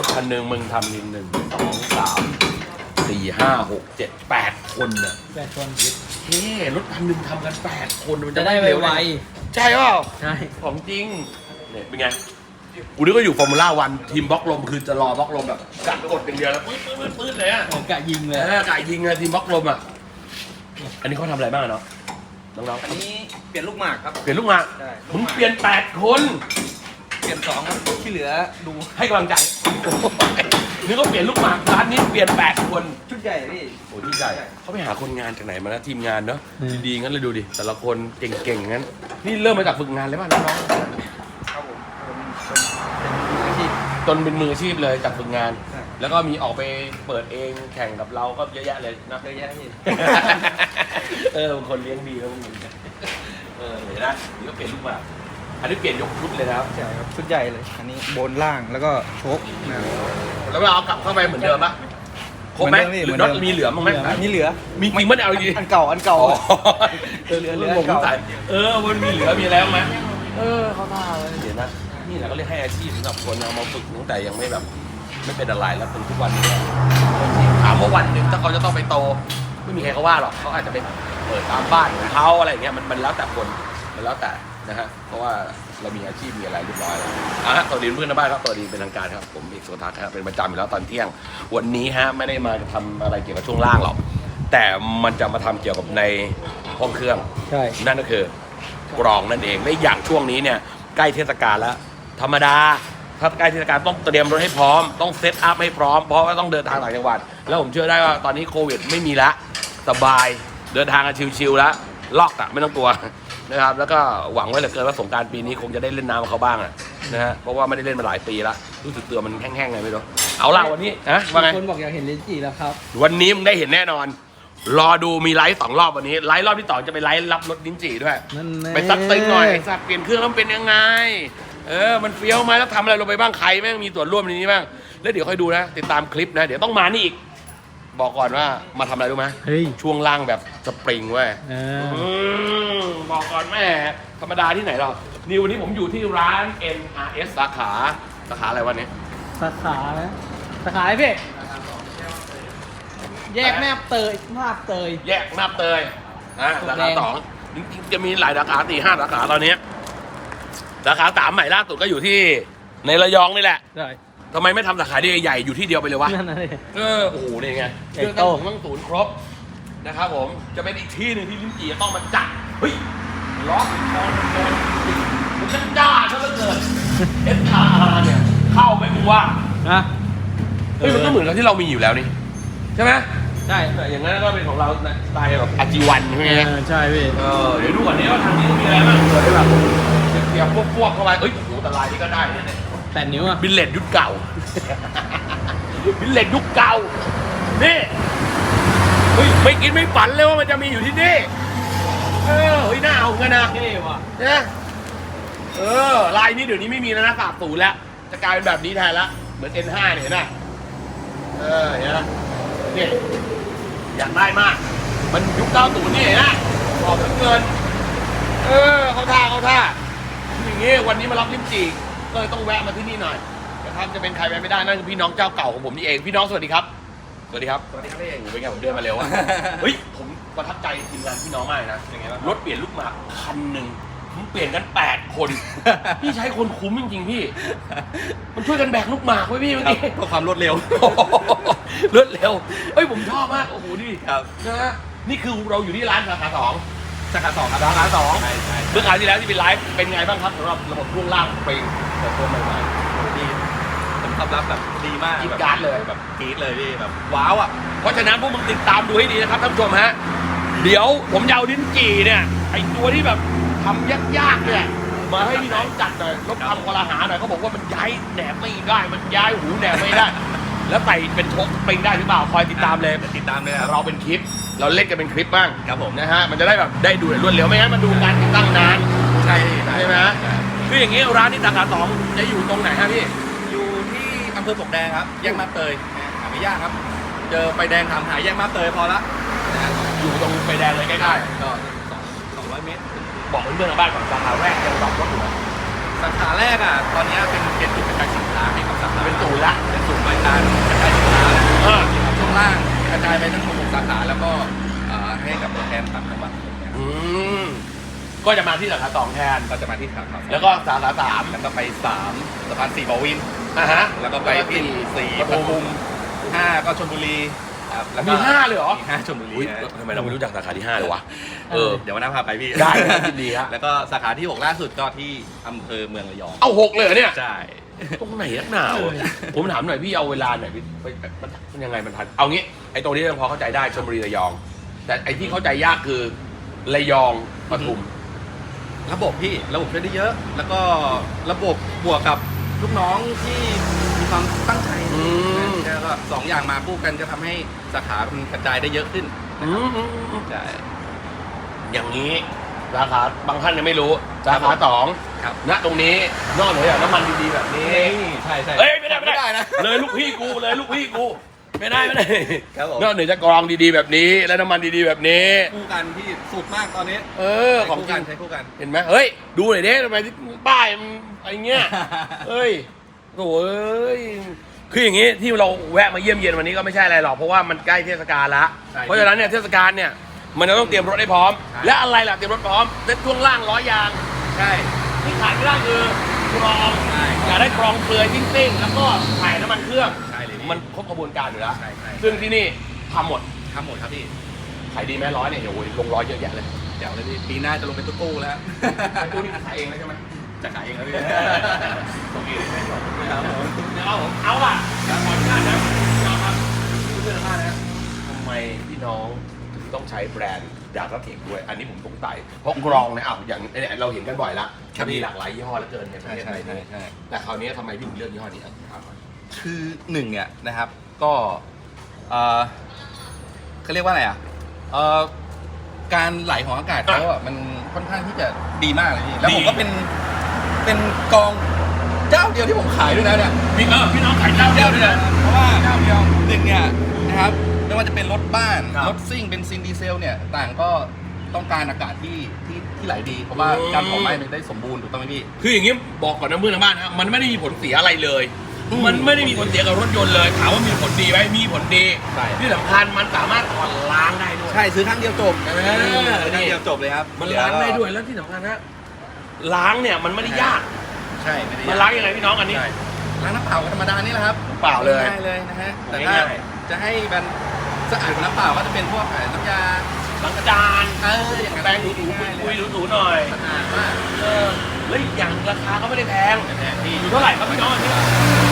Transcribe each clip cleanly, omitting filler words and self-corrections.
คันหนึ่งมึงทำนิน1 2 3 4 5 6 7 8 คนน่ะ 8 คนเฮ้รถคันหนึ่งทำกัน8 คนมันจะจะได้ได้เร็วไวใช่เปล่าๆใช่ของจริงเนี่ยเป็นไงกูนึกว่าอยู่ฟอร์มูล่าวันทีมบล็อกลมคือจะรอบล็อกลมแบบกัดกดอย่างเดียวแล้วปื๊ดเลยอ่ะโอ้กะยิงเลยกายยิงอะทีมบล็อกลมอ่ะอันนี้เขาทำอะไรบ้างเนาะน้องอันนี้เปลี่ยนลูกหมากครับๆเปลี่ยนลูกหมากใช่มึงเปลี่ยน8 คนเปลี่ยน2ครับที่เหลือดูให้กำลังใจนึกว่าเปลี่ยนลูกหมากร้านนี้เปลี่ยน8 คนชุดใหญ่พี่โอ้ที่ใหญ่เขาไปหาคนงานจากไหนมานะทีมงานเนาะดีๆงั้นเลยดูดิแต่ละคนเก่งๆงั้นนี่เริ่มมาจากฝึกงานเลยป่ะน้องครับผมเป็นอาชีพๆจนเป็นมืออาชีพเลยจากฝึกงานใช่แล้วก็มีออกไปเปิดเองแข่งกับเราก็เยอะแยะเลยนะเยอะแยะพี่บางคนเลี้ยงดีแล้วมึงเห็นนะนี่ก็เปลี่ยนลูกหมากอันนี้เปลี่ยนยกชุดเลยนะครับใช่ครับชุดใหญ่เลย อันนี้บนล่างแล้วก็โชคนะครับแล้วเราเอากลับเข้าไปเหมือนเดิมปะครบไหมเหมือนเดิมพี่หรือน็อตเหมือนเดิมมีเหลือมั้งไหมอันนี้เหลือมีจริงมั้ยเอาดีอันเก่าอันเก่าเหลือผมสงสัยมันมีเหลือมีแล้วไหมเขาท่าเลยเดี๋ยวนะนี่แหละก็เรียกให้อาชีพสำหรับคนเอามาฝึกตั้งแต่ยังไม่แบบไม่เป็นอะไรแล้วเป็นทุกวันนี้ถามว่าวันหนึ่งถ้าเขาจะต้องไปโตไม่มีใครเขาว่าหรอกเขาอาจจะไปเปิดตามบ้านของเขาอะไรอย่างเงี้ยมันแล้วแต่คนมันแล้วแต่นะฮะเพราะว่าเรามีอาชีพมีอะไรเรียบร้อยแล้วสวัสดีเพื่อนในบ้านครับสวัสดีเป็นทางการครับผมเอกโสทัศน์ครับเป็นประจำอยู่แล้วตอนเที่ยงวันนี้ฮะไม่ได้มาทำอะไรเกี่ยวกับช่วงล่างหรอกแต่มันจะมาทำเกี่ยวกับในห้องเครื่องใช่นั่นก็คือกรองนั่นเองและอย่างช่วงนี้เนี่ยใกล้เทศกาลแล้วธรรมดาถ้าใกล้เทศกาลต้องเตรียมรถให้พร้อมต้องเซตอัพให้พร้อมเพราะว่าต้องเดินทางต่างจังหวัดแล้วผมเชื่อได้ว่าตอนนี้โควิดไม่มีละสบายเดินทางกันชิวๆแล้วล็อกอะไม่ต้องกลัวนะครับแล้วก็หวังไว้เหลือเกินว่าสงกรานต์ปีนี้คงจะได้เล่นน้ำกับเขาบ้างอะนะฮะเพราะว่าไม่ได้เล่นมาหลายปีแล้วรู้สึกตัวมันแห้งๆไงไม่รู้เอาล่ะวันนี้นะว่าไงคนบอกอยากเห็นลิ้นจี่แล้วครับวันนี้มึงได้เห็นแน่นอนรอดูมีไลฟ์2 รอบวันนี้ไลฟ์รอบที่2จะไปไลฟ์รับรถลิ้นจี่ด้วยนั่นแน่ไปซักตึงหน่อยไอ้สัตว์เปลี่ยนเครื่องแล้วมันเป็นยังไงมันเฟี้ยวไหมแล้วทำอะไรลงไปบ้างใครแม่งมีส่วนร่วมในนี้บ้างแล้วเดี๋ยวค่อยดูนะติดตามคลิปนะเดี๋ยวต้องมานี่อีกบอกก่อนว่ามาทำอะไรรู้ไหมเฮ้ยช่วงล่างแบบสปริงเว้ย บอกก่อนแม่ธรรมดาที่ไหนหรอกนี่วันนี้ผมอยู่ที่ร้าน NRS สาขาอะไรวันนี้สาขานะสาขาอะไรพี่แยกแนบเตยมาบเตยแยกนาบเตยสาขาแดง 2จริงๆจะมีหลายสาขา4-5 สาขาตอนนี้สาขา3ใหม่ล่าสุดก็อยู่ที่ในระยองนี่แหละใช่ทำไมไม่ทำสาขาใหญ่ๆอยู่ที่เดียวไปเลยวะนั่นน่ะเลยโอ้โหนี่ไงใหเคญ่รื่องโตตั้งศูนย์ครบนะครับผมจะเป็นอีกที่หนึ่งที่ลิ้นจี่จะต้องมาจัดเฮ้ยล็อกคอนโดนมันจะจ้าซะเหลือเกิน SRR เนี่ยเข้าไหมมึงว่านะเฮ้ยมันก็เหมือนกับที่เรามีอยู่แล้วนี่ใช่ไหมใช่อย่างนั้นก็เป็นของเราสไตล์แบบอาจีวันใช่ไหมใช่พี่เดี๋ยวดูก่อนนี้ว่าทางนี้มีอะไรบ้างเผื่อได้แบบเสียบพวกเข้าไปเอ้ยโอ้โหแต่ลายนี้ก็ได้เนี่ย 8 นิ้วอ่ะบิลเลตยุคเก่า บิลเลตยุคเก่า นี่ เฮ้ย ไม่คิดไม่ฝันเลยว่ามันจะมีอยู่ที่นี่ เฮ้ยน่าเอาเงินนะเท่ว่ะนะลายนี้เดี๋ยวนี้ไม่มีแล้วนะสาบสูญแล้ว จะกลายเป็นแบบนี้แทนละ เหมือน N5 เนี่ยเห็นไหมเห็นไหมนี่อยากได้มาก มันยุค90นี่เห็นไหมบอกเหลือเกิน เขาท่าอย่างงี้วันนี้มารับลิ้มจี่ก็เลยต้องแวะมาที่นี่หน่อยนะครับจะเป็นใครไปไม่ได้นั่นคือพี่น้องเจ้าเก่าของผมนี่เองพี่น้องสวัสดีครับสวัสดีครับพี่เองเป็นไงผมเดินมาเร็วอะ เฮ้ยผมประทับใจทีมงานพี่น้องมากนะยังไงบ้างรถเปลี่ยนลูกหมากคันหนึ่งผมเปลี่ยนกัน8 คน พี่ใช้คนคุ้มจริงๆพี่มันช่วยกันแบกลูกหมากไว้พี่เมื่อกี้เพื่อความรวดเร็วรวดเร็วเฮ้ยผมชอบมากโอ้โหดิครับนะฮะนี่คือเราอยู่ที่ร้านสาขา2 สาขา2ครับสาขา2 ใช่เมื่อคราวที่แล้วที่เป็นไลฟ์เป็นไงบ้างครับสำหรับระบบช่วงล่างสปริงเปิดตัวใหม่ดีผลตอบรับแบบดีมากกรี๊ดกราร์ดเลยแบบกรี๊ดเลยพี่แบบว้าวอ่ะๆเพราะฉะนั้นพวกมึงติดตามดูให้ดีนะครับท่านผู้ชมฮะเดี๋ยวผมจะเอาลิ้นจี่เนี่ยไอตัวที่แบบทำยากๆเนี่ยมาให้พี่น้องจัดหน่อยลดความกลาหาหน่อยเขาบอกว่ามันย้ายแหนบไม่ได้มันย้ายหูแหนบไม่ได้ แล้วใส่เป็นชกสปริงได้หรือเปล่าคอยติดตามเลยติดตามเลยครับเราเป็นคลิปเราเล่นกันเป็นคลิปบ้างครับผมนะฮะมันจะได้แบบได้ดูรวดเร็วไม่งั้นมันดูการติดตั้งนานใช่ใช่ไหมคืออย่างนี้ร้านที่สาขา2จะอยู่ตรงไหนฮะพี่อยู่ที่อำเภอปลวกแดงครับแยกมาบเตยหาไม่ยากครับ เจอไฟแดงถามหาแยกมาบเตยพอละนะฮะอยู่ตรงไฟแดงเลยใกล้ก็200 เมตรๆบอกเพื่อนๆทางบ้านก่อนสาขาแรกยังรับรถอยู่นะสาขาแรกอ่ะตอนนี้เป็นจุดกระจายสินค้าให้กับสาขาเป็นศูนย์ละเป็นศูนย์บริการกระจายสินค้าแล้วเออช่วงล่างกระจายไปทั้ง6สาขาแล้วก็ให้กับตัวแทนต่างจังหวัดอืมก็จะมาที่สาขา2แทนก็จะมาที่สาขาแล้วก็สาขา3 แล้วก็ไป3สะพาน4บวินอ่ะฮะแล้วก็ไปที่4ปทุม5ก็ชลบุรีครับแล้วก็มี5เลยเหรอมี5ชลบุรีอุ๊ยนะทำไมเราไม่รู้จักสาขาที่5เลยวะเดี๋ยววันหน้าพาไปพี่ได้ครับยินดีครับแล้วก็สาขาที่6ล่าสุดก็ที่อำเภอเมืองระยองเอา6เลยเหรอเนี่ยใช่ตรงไหนนักหนาวะผมถามหน่อยพี่เอาเวลาหน่อยมันยังไงมันทันเอางี้ไอ้ตรงนี้ยังพอเข้าใจได้ชลบุรีระยอง แต่ไอ้ที่เข้าใจยากคือระยองปทุมระบบช่วยได้เยอะ แล้วก็ระบบบวกกับลูกน้องที่มีความตั้งใจอืมแล้วก็2อย่างมาคู่กันจะทำให้สาขามันกระจายได้เยอะขึ้น ใช่อย่างนี้สาขาบางท่านยังไม่รู้สาขา2 ครับณตรงนี้นอกเหนือจากน้ำมันดีๆแบบนี้ใช่ใช่เอ้ยไม่ได้นะเลยลูกพี่กูไม่ได้ครับผมนอกเหนือจากกรองดีๆแบบนี้ และน้ำมันดีๆแบบนี้คู่กันที่สุดมากตอนนี้ของจริงใช้คู่กันเห็นไหมเฮ้ยดูหน่อยดิทำไมที่ป้ายมันอะไรเงี้ย เฮ้ยโถ่เอ้ยคืออย่างนี้ที่เราแวะมาเยี่ยมเยียนวันนี้ก็ไม่ใช่อะไรหรอกเพราะว่ามันใกล้เทศกาลละใช่เพราะฉะนั้นเนี่ยเทศกาลเนี่ยมันจะต้องเตรียมรถให้พร้อมใช่และอะไรล่ะเตรียมรถพร้อมเซ็ตช่วงล่างล้อยางใช่ที่ขาดไม่ได้คือกรองใช่อยากได้กรองเปลือยติ้งๆแล้วก็ถ่ายน้ำมันเครื่องใช่เลยพี่มันครบกระบวนการอยู่แล้วใช่ใช่ซึ่งที่นี่ทำหมดทำหมดครับพี่ขายดีไหมร้อยเนี่ยโอ้ยลงร้อยเยอะแยะเลยเดี๋ยวเลยพี่ปีหน้าจะลงเป็นตู้ๆแล้วตู้นี้ขายเองเลยใช่ไหมจะขายเองแล้วพี่ตรงนี้เลยครับผมเอาล่ะขออนุญาตนะนะครับเพื่อนท่านนะทำไมพี่น้องถึงต้องใช้แบรนด์ดาร์กเทคด้วย อันนี้ผมสงสัยเพราะกรองเนี่ยอย่างเนี่ยเราเห็นกันบ่อยละมีหลากหลายยี่ห้อเหลือเกินในประใช่เทศใช่ไทยใช่นี่ใช่แต่คราวนี้ทำไมพี่ถึงเลือกยี่ห้อนี้ครับคือหนึ่งเนี่ยนะครับก็เขาเรียกว่าอะไรอ่ะการไหลของอากาศเขาอ่ะมันค่อนข้างที่จะดีมากเลยพี่แล้วผมก็เป็นกองเจ้าเดียวที่ผมขายด้วยนะเนี่ยพี่น้องขายเจ้าเดียวด้วยนะเพราะว่าเจ้าเดียวหนึ่งเนี่ยนะครับไม่ว่าจะเป็นรถบ้านครับรถซิ่งเบนซินดีเซลเนี่ยต่างก็ต้องการอากาศที่ไหลดี เพราะว่าการเผาไหม้มันได้สมบูรณ์ถูกต้องไหมพี่คืออย่างนี้บอกก่อนนะเพื่อนทางบ้านนะมันไม่ได้มีผลเสียอะไรเลยอืมมันไม่ได้มีผลเสียกับรถยนต์เลยถามว่ามีผลดีไหมมีผลดีใช่ที่สำคัญมันสามารถถอดล้างได้ด้วยใช่ซื้อครั้งเดียวจบเออซื้อครั้งเดียวจบเลยครับมันล้างได้ด้วยแล้วที่สำคัญนะล้างเนี่ยมันไม่ได้ยากใช่ไม่ได้มันล้างยังไงพี่น้องอันนี้ใช่ล้างน้ำเปล่าธรรมดานี่แหละครับเปล่าเลยง่ายเลยนะฮะแต่ถ้าง่ายจะให้มันสะอาดกว่าน้ำเปล่าก็จะเป็นพวกน้ำยาล้างกระจานอย่างนั้นแปรงถูๆง่ายเลคุยยๆถูๆหน่อยสะอาดมากเฮ้ยอย่างราคาก็ไม่ได้แพงแพงพี่อยู่เท่าไหร่ครับพี่น้องอันนี้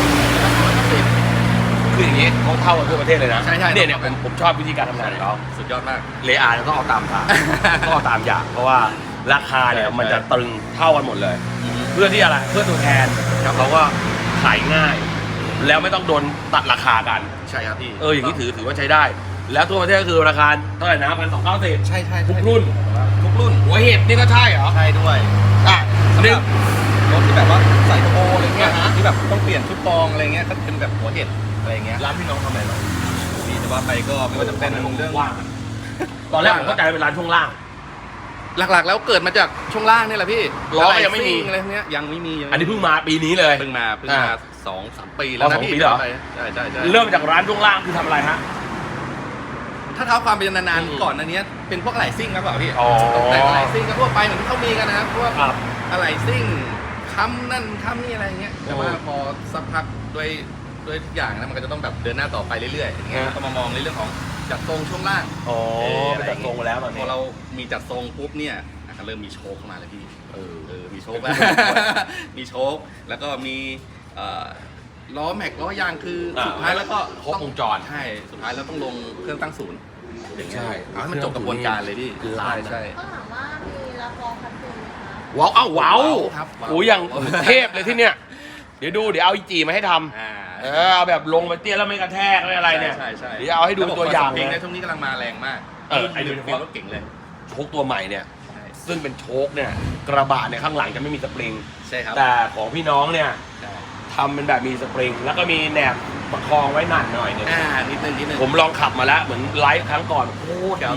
คืออย่างนี้เขาเท่ากันทั่วประเทศเลยนะใช่ใช่เนี่ยผมชอบวิธีการทำงานของเขาสุดยอดมากเลอาต้องเอาตามทาง ต้องเอาตามอย่างเพราะว่าราคาเนี่ยใช่มันจะตรึงเท่ากันหมดเลย เพื่อที่อะไรเพื่อตัวแทนเขาก็ขายง่าย แล้วไม่ต้องโดนตัดราคากันใช่ครับพี่อย่างนี้ถือว่าใช้ได้ แล้วทั่วประเทศก็คือราคาเท่าไหร่นะ1,290 ใช่ใช่ทุกรุ่นทุกรุ่นหัวเห็ดนี่ก็ใช่เหรอใช่ด้วยอ่ะสำหนึรังบรถที่แบบว่าใส่โทโบอะไรเงี้ยอ่าฮะที่แบบต้องเปลี่ยนชุดกรองอะไรเงี้ยก็เป็นแบบหัวเห็ดอะไรเงี้ยร้านพี่น้องทำอะไรบ้างพี่จะว่าไปก็ไม่ว่าจะเป็นเรื่องว่างตอนแรกผมเข้าใจเป็นร้านช่วงล่างหลักๆ แล้วเกิดมาจากช่วงล่างนี่แหละพี่ล้อก็ยังไม่มีอะไรพวกเนี้ยยังไม่มีอันนี้เพิ่งมาปีนี้เลยเพิ่งมาอ่า 2-3 ปีแล้วอ๋อนะ 2 พี่ปีเหรอใช่ใช่ใช่เริ่มจากร้านช่วงล่างคือทำอะไรฮะถ้าเท้าความเป็นนานอืมๆก่อนอันเนี้ยเป็นพวกอะไหล่ซิ่งครับเปล่าพี่อ๋อตกแต่งอะไหล่ซิ่งก็ทั่วไปเหมือนที่เขามีกันนะครับพวกครับอะไหล่ซิ่งค้ำนั่นค้ำนี่อะไรเงี้ยแต่ว่าพอสักพักด้วยทุกอย่างนะมันก็จะต้องแบบเดินหน้าต่อไปเรื่อยๆอย่างเงี้ยฮะก็มามองในเรื่องของจัดทรงช่วงล่างอ๋อไปจัดทรงมาแล้วตอนพนี้อเรามีจัดทรงปุ๊บเนี่ยก็เริ่มมีโชคเข้ามาเลยพี่ มีโชคแล้ว มีโชคแล้วก็มีล้อแม็กล้อยางคือสุดท้ายแล้วก็ครบวงจรใช่สุดท้ายแล้วต้องลงเครื่องตั้งศูนย์อย่างเงี้ยใช่เอาให้มันจบกระบวนการเลยพี่คือล้านนะใช่ก็ถามว่ามีรับรองคัดเจนไหมคะว้าวอ้าวว้าวครับว้าวโอ้ยอย่างเทพเลยที่เนี่ย เดี๋ยวเอาอีจีมาให้ทำอ่าเอาแบบลงไปเตี้ยแล้วไม่กระแทกไม่อะไรเนี่ยใช่ใช่เดี๋ยวเอาให้ดูตัวอย่างเพลเลงในยช่วงนี้กำลังมาแรงมากไอ้โดยเฉเป็นพาะรถเก่งเลยโชคตัวใหม่เนี่ยใช่ซึ่งเป็นโชคเนี่ยกระบะเนี่ยข้างหลังจะไม่มีสปริงใช่ครับแต่ของพี่น้องเนี่ยใช่ทำเป็นแบบมีสปริง แล้วก็มีแหนบประคองไว้หนันหน่อยเนี่ยนิดนึงผมลองขับมาแล้วเหมือนไลฟ์ครั้งก่อนโคตรดีใช่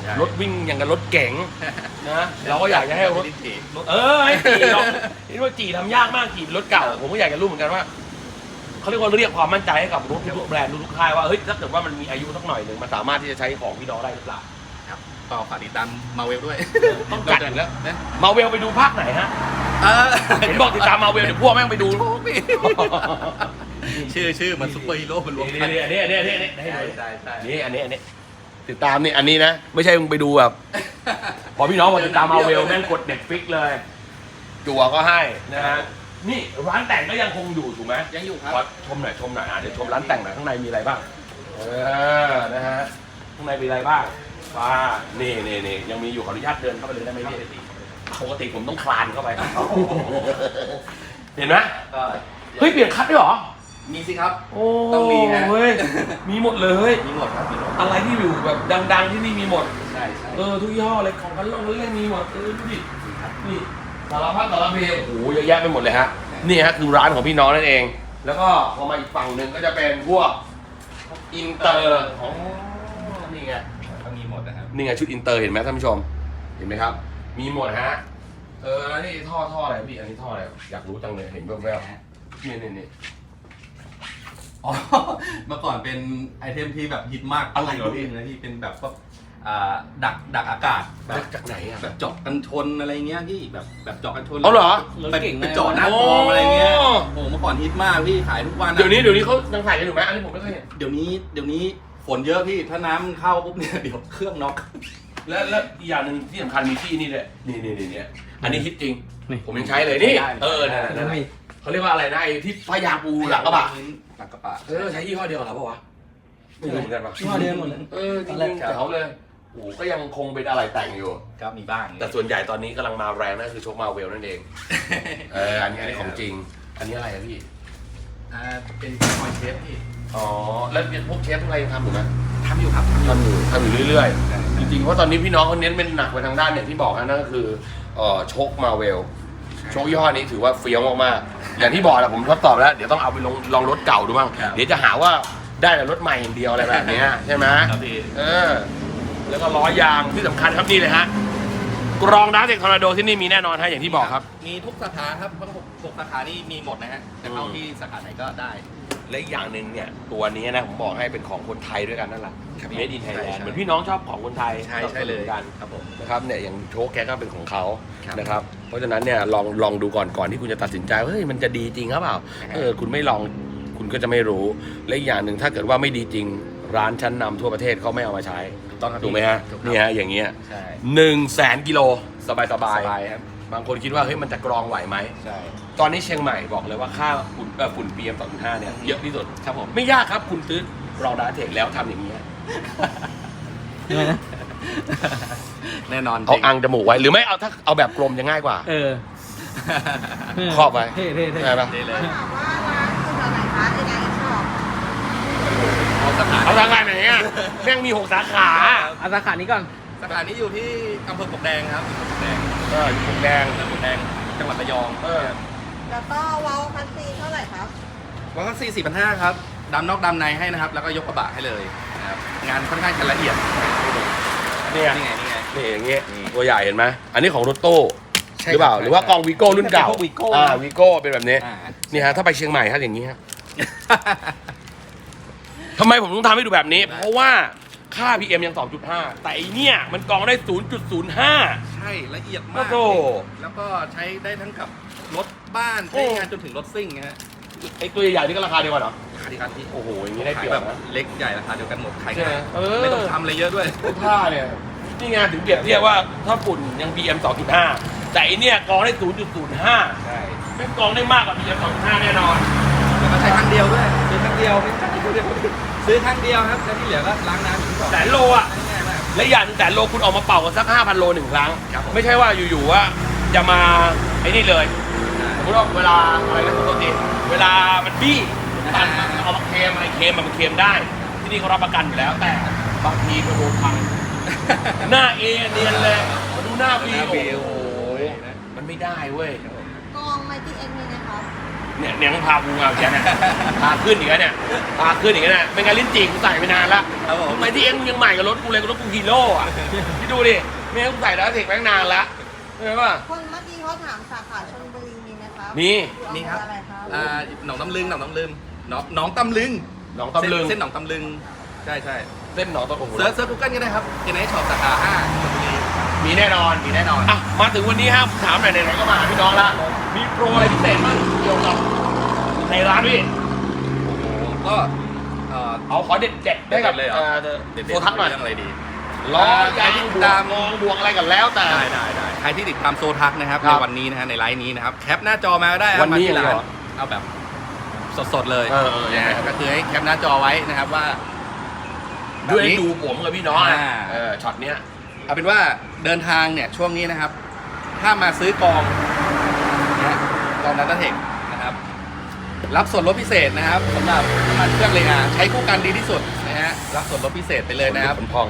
ช่รถวิ่งอย่างกับรถเก๋งนะเราก็อยากจะให้รถลิ้นจี่ให้จีเราเห็นว่าจีทำยากมากจีเป็นรถเก่าผมก็อยากจะรู้เหมือนกันว่าเขาเรียกว่าเรียกความมั่นใจให้กับรถทุกแบรนด์ทุกค่ายว่าเฮ้ยถ้าเกิดว่ามันมีอายุสักหน่อยหนึ่งมันสามารถที่จะใช้ของพี่น้องได้หรือเปล่าครับก็ฝากติดตามมาเวลด้วยต้องจัดอีกแล้วมาเวลไปดูภาคไหนฮะ เห็นบอกติดตามมาเวลเดี๋ยวพวกแม่งไปดูโชคพี่ชื่อมันซุปเปอร์ฮีโร่มันรวมกันนี่ให้ดูใช่นี่อันนี้ติดตามนี่อันนี้นะไม่ใช่มึงไปดูแบบพอพี่น้องมาติดตามมาเวลแม่งกดเน็ตฟิกเลยจั่วก็ให้นะฮะนี่ร้านแต่งก็ยังคงอยู่ถูกไหมยังอยู่ครับขอชมหน่อยเดี๋ยวชมร้านแต่งหน่อยข้างในมีอะไรบ้างนะฮะข้างในมีอะไรบ้างนี่ยังมีอยู่ขออนุญาตเดินเข้าไปเลยได้ไหมพี่ปกติผมต้องคลานเข้าไปเห็นไหมเฮ้ยเปลี่ยนคัทด้วยเหรอมีสิครับโอ้ต้องมีฮะเฮ้ยมีหมดเลยมีหมดครับมีหมดอะไรที่อยู่แบบดังๆที่นี่มีหมดใช่ทุกยี่ห้อเลยของกันเล่นมีหมดดูดินี่สารพัดสารเพโอ้โหเยอะแยะไปหมดเลยฮะนี่ฮะคือร้านของพี่น้องนั่นเอง แล้วก็พอมาอีกฝั่งหนึ่งก็จะเป็นพวกอินเตอร์ของนี่ไงก็มีหมดนะครับนี่ไงชุดอินเตอร์เห็นไหมท่านผู้ชมเห็นไหมครับ มีหมดฮะแล้วนี่ท่ออะไรพี่อันนี้ท่ออะไรอยากรู้จังเลยเห็นแวบๆนี่อ๋อเมื่อก่อนเป็นไอเทมที่แบบฮิตมากอะไรเหรอพี่นะที่เป็นแบบพวกดักอากาศแบบจากไหนอ่ะแบบเจาะกันชนอะไรเงี้ยพี่แบบเจาะกันชนเอาเหรอไปเจาะหน้ากองอะไรเงี้ยโอ้โหเมื่อก่อนฮิตมากพี่ขายทุกวันอะเดี๋ยวนี้เขายังขายกันอยู่ไหมอันนี้ผมไม่เคยเห็นเดี๋ยวนี้ฝนเยอะพี่ถ้าน้ำเข้าปุ๊บเนี่ยเดี๋ยวเครื่องน็อกแล้วอีกอย่างหนึ่งที่สำคัญมีที่นี่เลยนี่อันนี้ฮิตจริงนี่ผมยังใช้เลยนี่ได้นั่นเขาเรียกว่าอะไรนะไอ้ที่พยาปูหลังกระบะหลังกระบะใช้ยี่ห้อเดียวเหรอเปล่าวะไม่รู้เหมือนกันปะยี่ห้อเดียวหมดเลยจริงๆเขาเลยโอ้ก็ยังคงเป็นอะไรแต่งอยู่ก็มีบ้างแต่ส่วนใหญ่ตอนนี้กำลังมาแรงนั่นคือโชคมาเวลนั่นเองอันนี้ของจริง อันนี้อะไรอะพี่เป็นคอยเชฟพี่อ๋อแล้วพวกเชฟพวกอะไรยังทำอยู่ไหมทำอยู่ครับทำอยู่เรื่อยๆจริงๆเพราะตอนนี้พี่น้องเขาเน้นเป็นหนักไปทางด้านอย่างที่บอกนะนั่นก็คือโชคมาเวลโชคยี่ห้อนี้ถือว่าเฟี้ยวมากๆอย่างที่บอกแหละผมทดสอบแล้วเดี๋ยวต้องเอาไปลองรถเก่าดูบ้างเดี๋ยวจะหาว่าได้แต่รถใหม่อย่างเดียวอะไรแบบนี้ใช่ไหมครับพี่แล้วก็ล้อยางที่สำคัญครับนี่เลยฮะกรองน้ำเด็กทอร์นาโดที่นี่มีแน่นอนฮะอย่างที่บอกครับมีทุกสาขาครับทั้ง6สาขานี่มีหมดนะฮะจะเข้าที่สาขาไหนก็ได้และอีกอย่างหนึ่งเนี่ยตัวนี้นะผมบอกให้เป็นของคนไทยด้วยกันนั่นแหละครับเมดินไทยแลนใช่ด์เหมือนพี่น้องชอบของคนไทยใช่เลยกันครับผมนะครับเนี่ยอย่างโชคแกก็เป็นของเขาครับนะครับเพราะฉะนั้นเนี่ยลองดูก่อนที่คุณจะตัดสินใจว่าเฮ้ยมันจะดีจริงหรือเปล่าคุณไม่ลองคุณก็จะไม่รู้และอีกอย่างหนึ่งถ้าเกิดว่าไม่ดีจริงร้านชั้นนำทั่วประเทศเขาไม่เอามาใช้ต้องครับถูกไหมฮะถูกครับนี่ฮะอย่างเงี้ยใช่ 100,000 กิโลสบายสบายครับบางคนคิดว่าเฮ้ยมันจะกรองไหวไหมใช่ตอนนี้เชียงใหม่บอกเลยว่าค่าฝุ่น PM 2.5เนี่ยเยอะที่สุดครับผมไม่ยากครับคุณซื้อรองดาเทคแล้วทำอย่างนี้ฮะยังไงนะแน่นอนเอาอังจมูกไว้หรือไม่เอาถ้าเอาแบบกลมจะง่ายกว่า ครอบไว้เท่ได้ปะนี่เลยถามว่าร้านอยู่แถวไหนคะในงานอีกช็อปเอาสาขาเอาสาขาไหนอ่ะแม่งมี6 สาขาเอาสาขานี้ก่อนสาขานี้อยู่ที่อำเภอปลวกแดงครับปลวกแดงอยู่ผมแดงอำเภอปลวกแดงจังหวัดระยองแล้วก็เว้าคัสซีเท่าไหร่ครับวัคซีน4,500ครับดำนอกดำในให้นะครับ แล้วก็ยกกระบะให้เลยนะครับงานค่อนข้างจะละเอียดเนี่ยนี่ไงนี่อย่างเงี้ยนี่ตัวใหญ่เห็นไหมอันนี้ของรถโต้ใช่หรือเปล่าครับหรือว่ากองวีโก้รุ่นเก่าเป็นพวก Vigo วีโก้เป็นแบบนี้อ่านี่ฮะถ้าไปเชียงใหม่ฮะอย่างนี้ฮะทำไมผมต้องทำให้ดูแบบนี้ เพราะว่าค่า PM ยัง 2.5 แต่ไอเนี่ยมันกรองได้ 0.05 ใช่ละเอียดโอ้มากโหแล้วก็ใช้ได้ทั้งกับรถบ้านโอ้ใช้งานจนถึงรถซิ่งนะฮะไอตัวใหญ่ๆนี่ก็ราคาเดียวกันเหรอราคาดีครับที่โอ้โหอย่างนี้ได้เปขายรียบแบบนะเล็กใหญ่ราคาเดียวกันหมดขายใช่ไหมง่ายเออไม่ต้องทำอะไรเยอะด้วยเสื้อผ้าเนี่ยนี่ไงถึงเปรียบเทียบว่าถ้าฝุ่นยัง PM 2.5 แต่ไอเนี่ยกรองได้ 0.05 ใช่ไม่กรองได้มากกว่า PM 2.5 แน่นอนแล้วก็ใช้ครั้งเดียวด้วยซื้อครั้งเดียวไม่ใช่ซื้อครั้งเดียวครับแล้วที่เหลือก็ล้างน้ำทิ้งก่อนแสนโลอ่ะง่ายมากและอย่างหนึ่งแสนโลคุณออกมาเป่ากันสัก 5,000 โลหนึ่งครั้งครับผมไม่ใช่ว่าอยู่ๆว่าจะมาไอ้นี่เลยสมมติว่าเวลาอะไรนะปกติเวลามันบี้ตันมันเอามาเคลมอะไรเคลมมันเคลมได้ ที่นี่เขารับประกันอยู่แล้ว แต่บางทีก็โดนพัง หน้าเอเนียนเลยมาดูหน้าบีหน้า B โอ้โหมันไม่ได้เว้ยกองไมตี้เอ็กมีนะครับเนี่ยต้องพากูเอาแกเนี่ยพาขึ้นอีกแล้วเนี่ยพาขึ้นอีกแล้วเนี่ยไม่งั้นลิ้นจี่กูใส่ไปนานละครับผมทำไมที่เอ็งมึงยังใหม่กับรถกูเลยกับรถกูฮีโร่อะพี่ดูดิไม่งั้นกูใส่แล้วเทคแม่งนานละเห็นป่ะคนเมื่อกี้เขาถามสาขาชลบุรีมีไหมครับมีมีครับอะไรครับหนองตำลึงหนองตำลึงหนองตำลึงหนองตำลึงเส้นหนองตำลึงใช่เส้นหนองตำลึงเซิร์ชกูเกิลก็ได้ครับเอ็นไอช็อปสาขา5ชลบุรีมีแน่นอนมีแน่นอนอ่ะมาถึงวันนี้ครับถามหน่อยไหนๆก็มาหาพี่น้องละมีโปรอะไรพิเศษบ้างเกี่ยวกับในร้านพี่ก็เอาขอเด็ดๆได้กับเลยเหรอโฟทักหน่อยเรื่องอะไรดีล้อยางใครที่บวตาก มมองบวกอะไรกันแล้วแต่ได้ใครที่ติดตามโซทักนะครับครัในบวันนี้นะฮะในไลฟ์นี้นะครับแคปหน้าจอมาก็ได้ครับวันนี้มาที่ร้าเหรอเอาแบบสดๆเลยเออยังไงนะฮะก็คือให้แคปหน้าจอไว้นะครับว่าแบบด้วยนี้ดูผมกับพี่น้องนะอ่าช็อตเนี้ยเอาเป็นว่าเดินทางเนี่ยช่วงนี้นะครับ ถ้ามาซื้อกองนะกองนัตเทคนะครับ รับส่วนลดพิเศษนะครับสำหรับน้ำมันเครื่องเลยใช้คู่กันดีที่สุดนะฮะรับส่วนลดพิเศษไปเลยนะครับผมพอง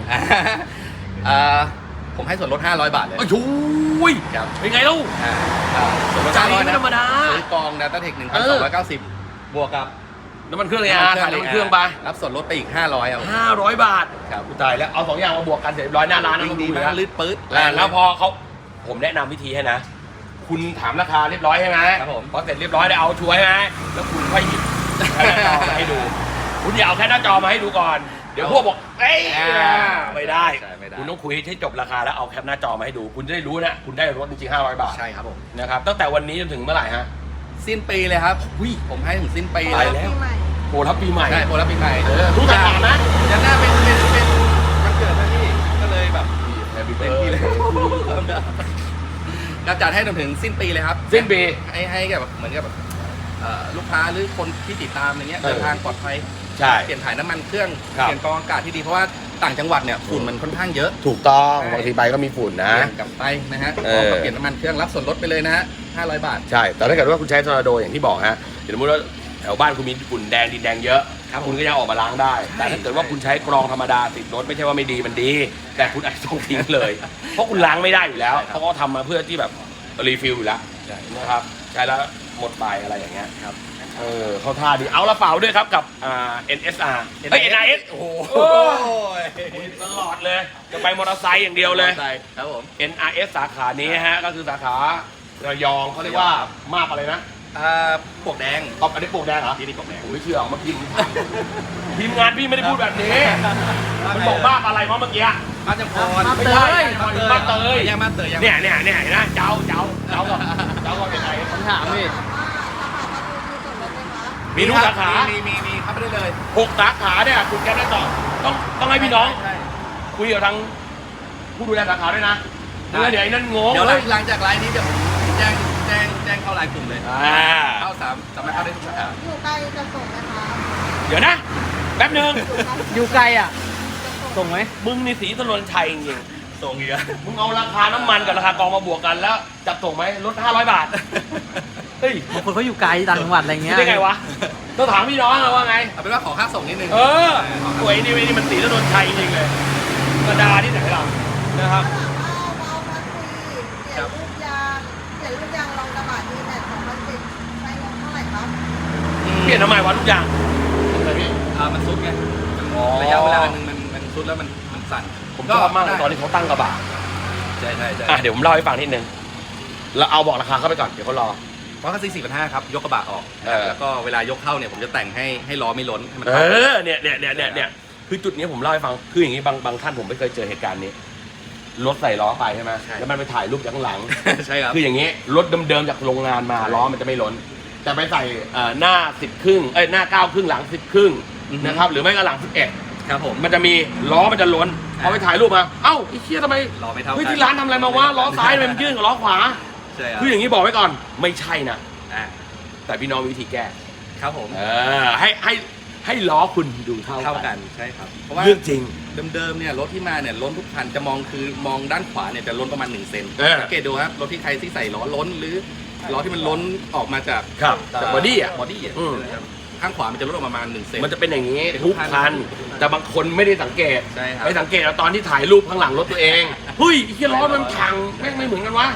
ผมให้ส่วนลด500 บาทเลยโอ้ยชุยครับเป็นไงลูกส่วนลดใจ 500 ไม่นะธรรมดาซื้อกองนัตเทคเออ 1,290 บวกกับน้ำมันเครื่องเลยถ่ายน้ำมันเครื่องไปรับส่วนลดไปอีก500เอา 500 บาทครับกูตายแล้วเอา2อย่างมาบวกกันเสร็จเรียบร้อยหน้าร้านวิ่งนะดีดูมาแล้กวลื่นปื๊ดแล้วพอเขาผมแนะนำวิธีให้นะ คุณถามราคาเรียบร้อยใช่ไหมครับผมพอเสร็จเรียบร้อยได้เอาช่วยใช่ไหมแล้วคุณค่อยหยิบแค่หน้าจอมาให้ดู คุณอย่าเอาแค่หน้าจอมาให้ดูก่อน เดี๋ยวพวกบอกเอ้ยไม่ได้ใช่ไม่ได้คุณต้องคุยให้จบราคาแล้วเอาแคปหน้าจอมาให้ดู คุณจะได้รู้นะคุณได้รถจริงๆ500 บาทใช่ครับผมนะครับตั้งแต่วันนี้จนถึงเมื่อไหร่ฮะสิ้นปีเลยครับผมให้ถึงสิ้นปีไปเลยแล้วปีใหม่โปรรับปีใหม่ใช่โปรรับปีใหม่รู้จักถามนะยันหน้าเป็นวันเกิดนะพี่ก็เลยแบบ Happy เต็มที่เลย birthday ก็จัดให้จนถึงสิ้นปีเลยครับสิ้นปีให้แบบเหมือนกับแบบลูกค้าหรือคนที่ติดตามอย่างเงี้ยเออเดินทางปลอดภัยใช่เปลี่ยนถ่ายน้ำมันเครื่องครับเปลี่ยนกรองอากาศที่ดีเพราะว่าต่างจังหวัดเนี่ยฝุ่นมันค่อนข้างเยอะถูกต้องใช่บางทีไปก็มีฝุ่นนะเปลี่ยนกลับไปนะฮะเอพร้อมอกับเปลี่ยนน้ำมันเครื่องรับส่วนลดไปเลยนะฮะ500 บาทใช่ แต่ถ้าเกิดว่าคุณใช้ทอร์นาโดอย่างที่บอกฮะเดี๋ยวสมมติว่าแถวบ้านคุณมีฝุ่นแดงดินแดงเยอะครับคุณก็ยังออกมาล้างได้ แต่ถ้าเกิดว่าคุณใช้กรองธรรมดาติดรถไม่ใช่ว่าไม่ดีมันดี แต่คุณอาจจะต้องทิ้งเลย เพราะคุณล้างไม่ได้อยู่แล้วเขาก็ทำมาเพื่อที่แบบรีฟิลอยู่แล้วใช่นะครับใช้แล้วหมดไปอะไรอย่างเงี้ยครับเข้าท่าดีเอาละเปล่าด้วยครับกับNSR เอ้ย NIS โอ้โหตลอดเลยจะไปมอเตอร์ไซค์อย่างเดียวเลยครับผม NRS สาขานี้ฮะก็คือสาขาระยองเขาเรียกว่ามาบอะไรนะปวกแดงเอาอันนี้ปลวกแดงเหรอที่นี่ปวกแดงผมไม่เชื่อเอามาพิมพ์ทีมงานพี่ไม่ได้พูดแบบนี้มันบอกบ้าอะไรวะเมื่อกี้มาจากพรไม่ใช่มาเตยยังมาเตยยังเนี่ยเห็นนะเจ้าก็เป็นไงผมถามพี่มีทุกสาขามีเข้าไปได้เลย 6 สาขาเนี่ยคุณแกได้ต่อต้องให้พี่น้องใช่คุยกับทางผู้ดูแลสาขาด้วยนะได้เดี๋ยวไอ้นั่นงงเดี๋ยวเลยหลังจากไลน์นี้เดี๋ยวผมแจ้งเข้าไลน์กลุ่มเลย เข้าสามารถเข้าได้ทุกสาขาอยู่ใกล้จะส่งไหมคะเดี๋ยวนะแป๊บนึงอยู่ไกลอ่ะ ส่งไหมมึงนี่สีถนนชัยจริงส่งอีกแล้วๆมึงเอาราคาน้ำมันกับราคากองมาบวกกันแล้วจับส่งไหมลด500 บาทเฮ้ยบางคนเขาอยู่ไกลต่างจังหวัดอะไรเงี้ยได้ไงวะต้องถามพี่น้องอะว่าไงเอาเป็นว่าขอค่าส่งนิดนึงเออสวยนี่มันสีถนนชัยจริงๆเลยกระดาที่ไหนล่ะนะครับเอาคัสซีเปลี่ยนรูปยางรองกระบะดีแม็ก2010ใช้งบเท่าไหร่ครับเปลี่ยนทำไมวะทุกอย่างอะไรพี่มันซุดไงอ๋อระยะเวลาหนึ่งมันซุดแล้วมันสั่นผมชอบมากเลยตอนที่เขาตั้งกระบะใช่เดี๋ยวผมเล่าให้ฟังนิดนึงแล้วเอาบอกราคาเข้าไปก่อนเดี๋ยวเขารอเพราะคัสซี4,500ครับยกกระบะออก แล้วก็เวลายกเข้าเนี่ยผมจะแต่งให้ล้อไม่ล้นให้มันเอเท่ากันอเนี่ยคือจุดนี้ผมเล่าให้ฟังคืออย่างนี้บางท่านผมไม่เคยเจอเหตุการณ์นี้รถใส่ล้อไปใช่ไหมแล้วมันไปถ่ายรูปจากข้างหลังใช่ครับคืออย่างนี้รถเดิมๆจากโรงงานมาล้อมันจะไม่ล้นแต่ไปใส่หน้า10 ครึ่งหน้า9 ครึ่งหลัง10 ครึ่งนะครับหรือไม่ก็หลัง11 ครับผมมันจะมีล้อมันจะล้นพอไปถ่ายรูปมาเอ้าไอ้เชี่ยทำไมล้อไม่เท่ากันเฮ้ยที่ร้านทำอะไรมาวะล้อซ้ายทำไมมันยื่นกับล้อขวาใช่ครับคืออย่างนี้บอกไว้ก่อนไม่ใช่นะอ่าแต่พี่น้องมีวิธีแก้ครับผมให้ล้อคุณดูเท่าเท่ากักัน นใช่ครับเพราะว่าเรื่องจริงเดิมๆเนี่ยรถที่มาเนี่ยล้นทุกคันจะมองด้านขวาเนี่ยจะล้นประมาณ1 เซน สังเกตดูครับรถที่ใครที่ใส่ล้อล้นหรือล้อที่มันล้นออกมาจากครับจากบอดี้อ่ะบอดี้อ่ะอืมนะครับข้างขวามันจะลดออกมาประมาณ1 เซนมันจะเป็นอย่างนี้เป็นทุทุกกคันคัน แต่บางคนไม่ได้สังเกตใช่ครับไปสังเกตเอาตอนที่ถ่ายรูปข้างหลังรถตัวเองเฮ้ยไอ้เหี้ยล้อมันพังแม่งไม่เหมือนกันวะ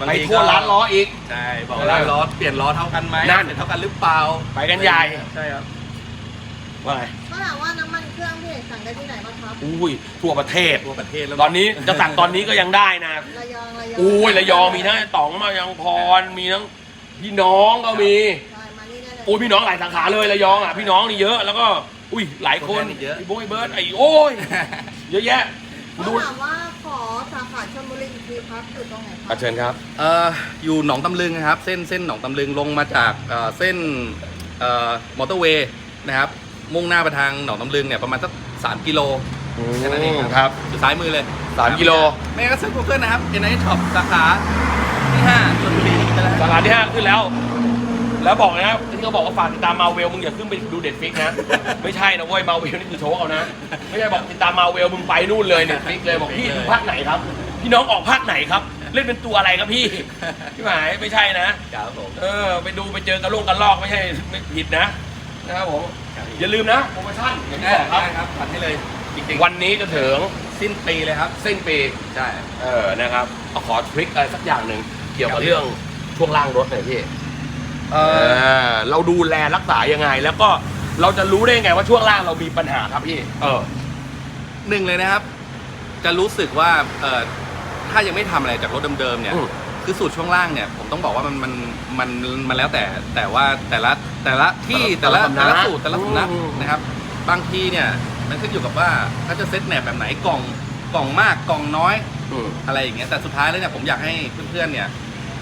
บางไปทีทั่วร้านล้ออีกใช่บอกร้านล้อเปลี่ยนล้อเท่ากันไหมนั่นเปลี่ยนเท่ากันหรือเปล่าไปกันใหญ่ใช่ครับว่าไงก็ถามว่าน้ำมันเครื่องพี่เอกสั่งได้ที่ไหนบ้างครับอุ้ยทั่วประเทศทั่วประเทศแล้วตอนนี้จะสั่งตอนนี้ก็ยังได้นะระยองอุ้ยระยองมีทั้งต๋องมายังพรมีทั้งพี่น้องก็มีใช่มานี่ได้เลยอุ้ยพี่น้องหลายสาขาเลยระยองอ่ะพี่น้องนี่เยอะแล้วก็อุ้ยหลายคนพี่โบ้ยเบิร์ดไอ้โอ้ยเยอะแยะก็ดูถามว่าขอสาขาชลบุรีอีกทีครับอยู่ตรงไหนครัเชิญครับอยู่หนองตำลึงนะครับเส้นหนองตำลึงลงมาจากเส้นมอเตอร์เวย์นะครับมุ่งหน้าไปทางหนองตำลึงเนี่ยประมาณสัก3 กิโลแค่นั้นเองครับอยู่ซ้ายมือเลย 3 กิโลไม่ก็ซื้อ Google นะครับ NIS Shop สาขาที่5ชลบุรีไปแล้วสาขาที่ 5 ขึ้นแล้ว แล้วบอกนะที่เขาบอกว่าฝากติดตามมาเวลมึงอย่าขึ้นไปดูเด็ดฟิกนะ ไม่ใช่นะเว้ยมาเวลนี่คือโชว์เอานะ ไม่ใช่บอกติดตามมาเวลมึงไปนู่นเลยเด็ดฟิกเลยบอกพี่ดูภาคไหนครับ พี่น้องออกภาคไหนครับ เล่นเป็นตัวอะไรครับพี่พี่หมายไม่ใช่นะครับผมไปดูไปเจอกระโลงกระลอกไม่ใช่ไม่ผิดนะครับผมอย่าลืมนะโปรโมชั่นอย่างที่บอกครับได้ครับผัดให้เลยจริงวันนี้จะถึงๆสิ้นปีเลยครับสิ้นปีใช่นะครับเอาขอทริคอะไรสักอย่างหนึ่งเกี่ยวกับเรื่องช่วงล่างรถหน่อยพี่เราดูแลรักษายังไง แล้วก็เราจะรู้ได้ไงว่าช่วงล่างเรามีปัญหาครับพี่หนึ่งเลยนะครับ จะรู้สึกว่าถ้ายังไม่ทำอะไรจากรถเดิมๆเนี่ยคือสูตรช่วงล่างเนี่ยผมต้องบอกว่ามันแล้วแต่ว่าแต่ละที่แต่ละสูตรแต่ละสำนักนะครับ บางทีเนี่ยมันขึ้นอยู่กับว่าเขาจะเซตแหนบแบบไหนกล่องมากกล่องน้อยอะไรอย่างเงี้ยแต่สุดท้ายแล้วเนี่ยผมอยากให้เพื่อนๆเนี่ย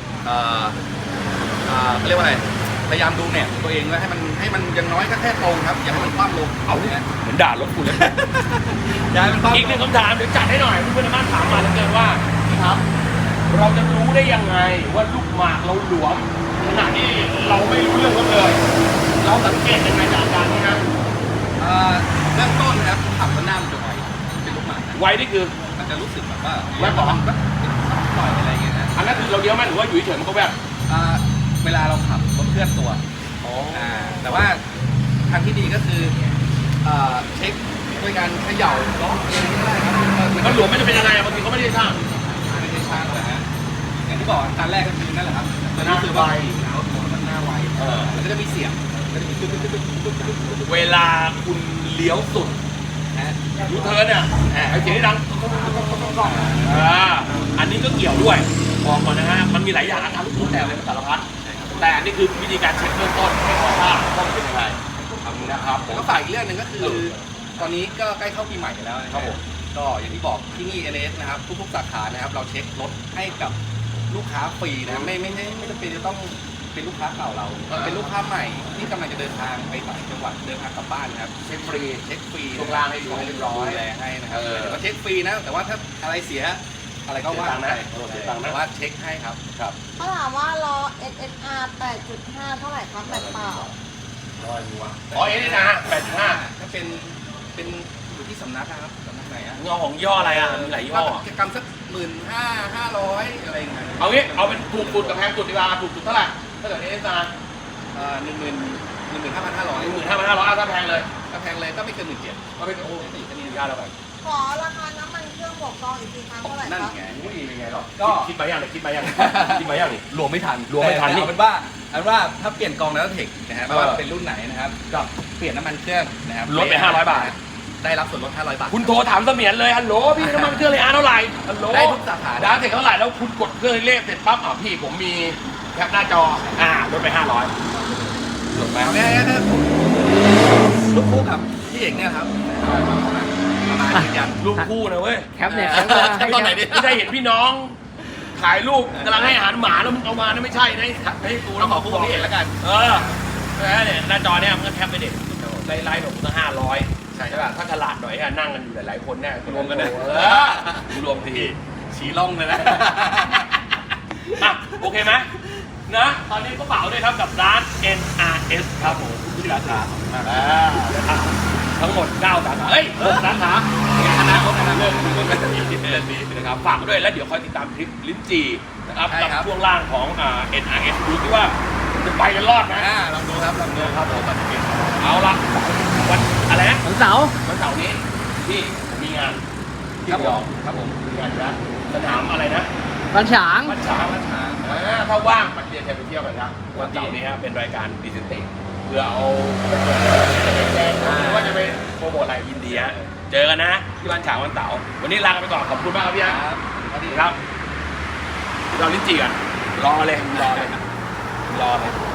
เขาเรียกว่าอะไรพยายามดูแหนบตัวเองว่าให้มันยังน้อยก็แค่ตรงครับอย่าให้มันคว่ำลงเอาเนี่ยเหมือนด่ารถกูเลยอย่าให้มันคว่ำอีกหนึ่งคำถามเดี๋ยวจัดให้หน่อยเพื่อนๆในบ้านถามมาแล้วเกินว่าครับ เราจะรู้ได้ยังไงว่าลูกหมากเราหลวมขณะที่เราไม่รู้เรื่องเขาเลย เราสังเกตยังไงจากอาการนี้นะเริ่มต้นนะครับขับแล้วหน้ามันจะไวเป็นลูกหมากนะไวนี่คือมันจะรู้สึกแบบว่าแวบเหรอแบบหน่อยอะไรอย่างเงี้ยนะอันนั้นคือเราเลี้ยวไหมหรือว่าอยู่เฉยๆมันก็แบบเวลาเราขับรถเคลื่อนตัวแต่ว่าทางที่ดีก็คือเช็คด้วยการเขย่าล้อเองก็ได้ครับมันหลวมไม่จะเป็นยังไงบางทีเขาไม่ได้สร้างไม่ได้ช่างเลยฮะอย่างที่บอกการแรกก็คือนั่นแหละครับหน้าไวหน้าไวมันก็จะมีเสียงก็จะมีตึ๊ดเวลาคุณเลี้ยวสุดยูเทิร์นเนี่ยไอ้เสียงที่ดังอันนี้ก็เกี่ยวด้วยบอกก่อนนะฮะมันมีหลายอย่างอาการลูกแต่เลยมันสารพัดแต่อันนี้คือวิธีการเช็คเบื้องต้นให้ว่าต้องเป็นยังไงนะครับผมก็ฝากอีกเรื่องหนึ่งก็คือ ตอนนี้ก็ใกล้เข้าปีใหม่แล้วนะครับผมก็อย่างที่บอกที่นี่ NS นะครับทุกๆสาขานะครับเราเช็ครถให้กับลูกค้าฟรีนะไม่จำเป็นจะต้องเป็นลูกค้าเก่าเราเป็นลูกค้าใหม่ที่กำลังจะเดินทางไปต่างจังหวัดเดินทางกลับบ้านนะครับเช็คฟรีเช็คฟรีช่วงล่างให้ดูให้เรียบร้อยดูแลให้นะครับแต่ว่าเช็คฟรีนะแต่ว่าถ้าอะไรเสียอะไรก็ว่าไปเสียตังค์นะแต่ว่าเช็คให้ครับครับเขาถามว่าล้อ SSR 8.5 เท่าไหร่ครับแบบเปล่าอ๋อเอ็นนะ85 ถ้าเป็นอยู่ที่สำนักนะครับสำนักไหนอะเงาของย่ออะไรอ่ะมีหลายย่อกิจกรรมสัก15,500อะไรอย่างเงี้ยเอางี้เอาเป็นถูกสุดกับแพงสุดดีกว่าถูกสุดเท่าไหร่ถ้าเกิดเอสอาร์ 15,500 15,500ถ้าแพงเลยถ้าแพงเลยก็ไม่เกิน17,000 ก็เป็นโอ้นี่ก็นี่ยากแล้วไปขอราคาน้ำมันเครื่องบวกกองอีกทีครับเท่าไหร่นั่นครับไงอุ้ยเป็นไงหรอก็คิดมายังเนี่ยคิดมายังคิดมายังนี่รวมไม่ทันรวมไม่ทันนี่เอาเป็นว่าถ้าเปลี่ยนกองแล้วเทคนะฮะไม่ว่าเป็นรุ่นไหนนะครับก็เปลี่ยนน้ำมันเครื่องนะครับลดไป500 บาทได้รับส่วนลด500 บาทคุณโทรถามเสมียนเลยฮัลโหลพี่น้ำมันเครื่องเลยเท่าไหร่ฮัลโหลได้ทุกสาขาดาวเสร็จเท่าไหร่แล้วคุณกดเครื่องเลขเสร็จปั๊บพี่ผมมีแคปหน้าจอลดไป500ถูกไหมแม่ถ้าลูกคู่กับพี่เอกเนี่ยครับมายืนยันลูกคู่นะเว้ยแคปเนี่ยแคปตอนไหนดิไม่ได้เห็นพี่น้องถ่ายรูปกำลังให้อาหารหมาแล้วมึงเอามานะไม่ใช่นะให้กูเราขอคู่กับพี่เอกแล้วกันเนี่ยหน้าจอเนี่ยมันก็แคปไปเด็กไลน์ของกูตั้ง500ใช่ป่ะถ้าฉลาดหน่อยนั่งกันอยู่หลายๆคนเนี่ยรวมกันเลยรวมทีชี้ล่องเลยนะโอเคไหมนะตอนนี้ก็เป๋าด้วยครับกับร้าน NRS ครับผมที่สาขาทั้งหมด9 สาขา6 สาขาคณะเขาเริ่มเรื่องนี้นะครับฝากด้วยแล้วเดี๋ยวคอยติดตามคลิปลิ้นจีนะครับกับช่วงล่างของNRS ดูที่ว่าจะไปกันรอดนะลองดูครับลองดูครับผมเอาละวันอะไรนะวันเสาร์วันเสาร์นี้ที่ผมมีงานที่ครับระยผองมครับผมมีงานนะสนามอะไรนะวันฉางวัดช้างวัดช้างถ้าว่างมันเรียนจะไปเที่ยวกันนะวันเสาร์นี้ครับเป็นรายการดิจิทัลเพื่อเอาแรงหรือว่าจะไปโปรโมทอะไรยินดีฮะเจอกันนะที่บ้านฉางวันเสาร์วันนี้ลากันไปก่อนขอบคุณมากครับพี่ฮะสวัสดีครับเราลิ้นจี่กันรอเลยรอเลย